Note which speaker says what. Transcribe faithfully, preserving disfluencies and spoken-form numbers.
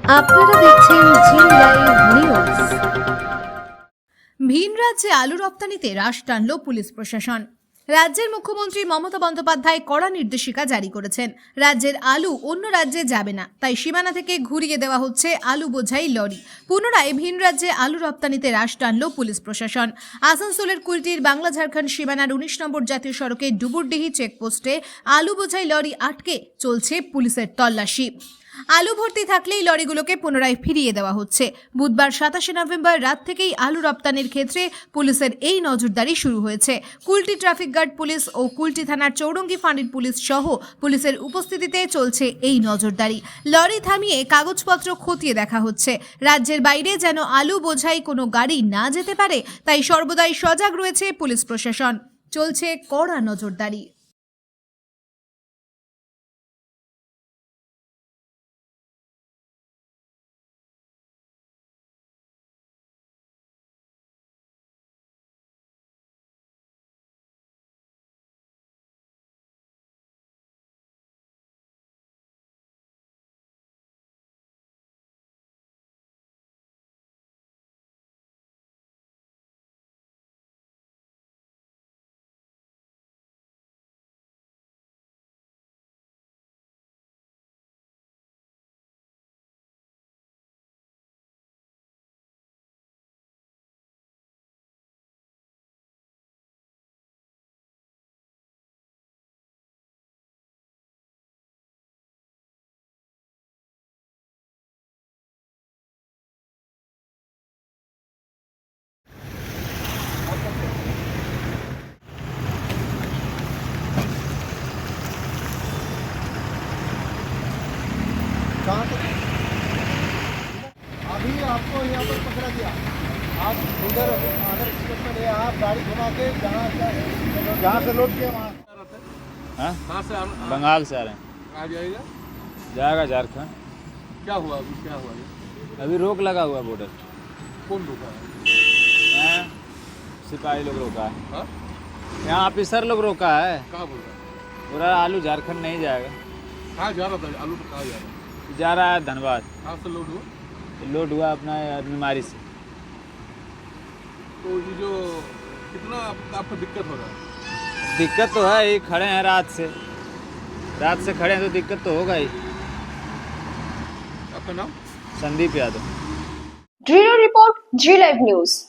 Speaker 1: আপনারা দেখছেন জি live news.
Speaker 2: ভিন রাজ্যে আলু রপ্তানিতে হ্রাস টানল পুলিশ প্রশাসন। রাজ্যের মুখ্যমন্ত্রী মমতা বন্দ্যোপাধ্যায় কড়া নির্দেশিকা জারি করেছেন। রাজ্যের আলু অন্য রাজ্যে যাবে না, তাই সীমানা থেকে ঘুরিয়ে দেওয়া হচ্ছে আলু বোঝাই লরি। পুনরায় ভিন রাজ্যে আলু রপ্তানিতে হ্রাস টানল পুলিশ প্রশাসন। আসানসোলের কুলটির বাংলা ঝাড়খণ্ড সীমানার উনিশ নম্বর জাতীয় সড়কে ডুবুরডিহি চেকপোস্টে আলু বোঝাই লরি আটকে চলছে পুলিশের তল্লাশি। আলু ভর্তি থাকলেই লরিগুলোকে পুনরায় ফিরিয়ে দেওয়া হচ্ছে। বুধবার সাতাশে নভেম্বর রাত থেকেই আলু রপ্তানির ক্ষেত্রে পুলিশের এই নজরদারি শুরু হয়েছে। কুলটি ট্রাফিক গার্ড পুলিশ ও কুলটি থানার চৌরঙ্গি ফাঁড়ির পুলিশ সহ পুলিশের উপস্থিতিতে চলছে এই নজরদারি। লরি থামিয়ে কাগজপত্র খতিয়ে দেখা হচ্ছে। রাজ্যের বাইরে যেন আলু বোঝাই কোনো গাড়ি না যেতে পারে, তাই সর্বদাই সজাগ রয়েছে পুলিশ প্রশাসন। চলছে কড়া নজরদারি।
Speaker 3: अभी आपको यहाँ पर पकड़ा दिया। आप उधर अदर स्टेट में गए, आप गाड़ी घुमा के जहाँ जहाँ से लोड किया वहाँ।
Speaker 4: हाँ?
Speaker 5: कहाँ से आप
Speaker 4: बंगाल से आ रहे हैं।
Speaker 5: आ जाएगा?
Speaker 4: जाएगा झारखंड।
Speaker 5: क्या हुआ अभी, क्या हुआ ये?
Speaker 4: अभी रोक लगा हुआ बॉर्डर।
Speaker 5: कौन रुका है?
Speaker 4: यहाँ सिपाही लोग रोका है,
Speaker 5: हाँ?
Speaker 4: यहाँ ऑफिसर लोग रोका है।
Speaker 5: कहाँ बोल रहा है?
Speaker 4: पूरा आलू झारखंड नहीं जाएगा,
Speaker 5: कहाँ जा रहा था आलू, तो कहाँ जा रहा है?
Speaker 4: जा रहा है धनबाद।
Speaker 5: कहाँ से लोड हुआ?
Speaker 4: लोड हुआ अपना बीमारी से।
Speaker 5: तो ये जो कितना आप- आपको दिक्कत हो रहा है?
Speaker 4: दिक्कत तो है ही, खड़े हैं रात से रात से खड़े हैं तो दिक्कत तो होगा ही।
Speaker 5: आपका नाम?
Speaker 4: Sandeep Yadav.
Speaker 1: Bureau report Zee live news.